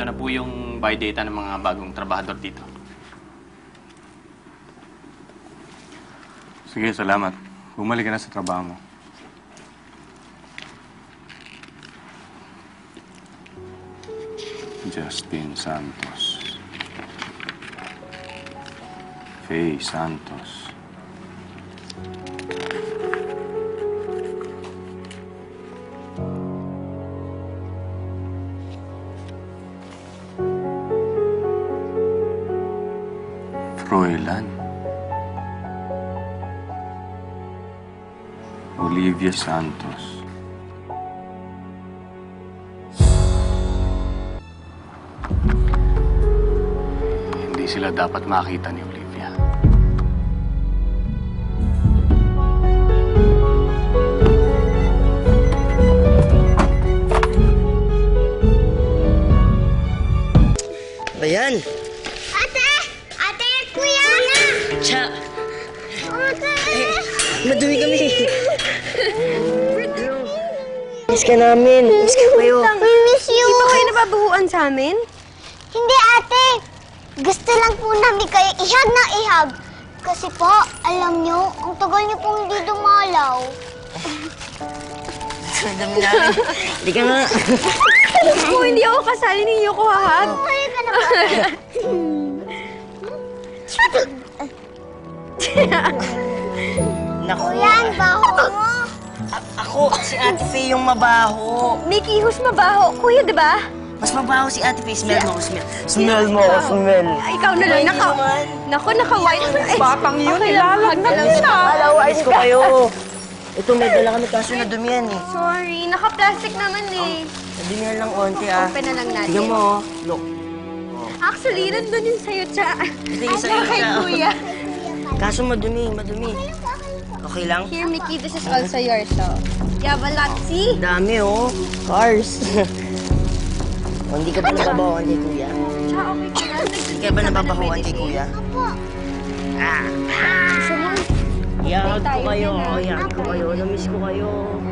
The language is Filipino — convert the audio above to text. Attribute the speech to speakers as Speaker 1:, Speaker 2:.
Speaker 1: Ito na po yung buy data ng mga bagong trabahador dito.
Speaker 2: Sige, salamat. Bumalik ka na sa trabaho mo. Justin Santos. Faye Santos. Froilan. Olivia Santos. Hindi sila dapat makita ni Olivia.
Speaker 3: Bayan!
Speaker 4: Ate! Ate! Kuya!
Speaker 3: Tsa!
Speaker 4: Ate!
Speaker 3: Madumi kami. Miss ka namin. Miss ka kayo.
Speaker 4: We miss you!
Speaker 5: Di ba kayo nababahuan sa amin?
Speaker 4: Hindi, ate! Gusto lang po namin kayo ihag na ihag. Kasi po, alam nyo, ang tagal nyo pong hindi dumalaw.
Speaker 3: Madumi namin. Hindi ka nga.
Speaker 5: Kung hindi ako kasali ninyo ko hahag.
Speaker 4: Kaya ka na ba?
Speaker 3: Naku.
Speaker 4: Kuya, ang baho mo.
Speaker 3: Ako, si Ate Faye yung mabaho.
Speaker 5: Mickey, who's mabaho? Kuya, di ba?
Speaker 3: Mas mabaho si Ate Faye. Smell mo ako, smell. Smell mo ako, smell.
Speaker 5: Ay, ikaw na lang. Naku, naka-white. Batang yun, ilalag na lang siya.
Speaker 3: Alawais ko kayo. Ito, may dala kami kaso nadumihan eh.
Speaker 5: Sorry, naka-plastic naman eh.
Speaker 3: Nadumihan lang onti ah.
Speaker 5: Open na lang natin.
Speaker 3: Tignan mo, oh. Look.
Speaker 5: Actually, nandun yung sa'yo, Tsa.
Speaker 3: Ito yung sa'yo,
Speaker 5: Kay
Speaker 3: Tsa.
Speaker 5: Kuya.
Speaker 3: Kaso madumi. Okay lang?
Speaker 5: Here, Mickey, this is also yours, so. You have a lot, see?
Speaker 3: Dami oh. Cars. O, hindi ka ba nababawan kay Kuya?
Speaker 5: Tsa, okay ka na.
Speaker 3: Hindi ka ba nababawan kay Kuya? Ah.
Speaker 5: Gusto mo?
Speaker 3: Iyahag ko
Speaker 5: tayo
Speaker 3: kayo.
Speaker 5: din, ah.
Speaker 3: Iyahag ko kayo. Namiss ko kayo.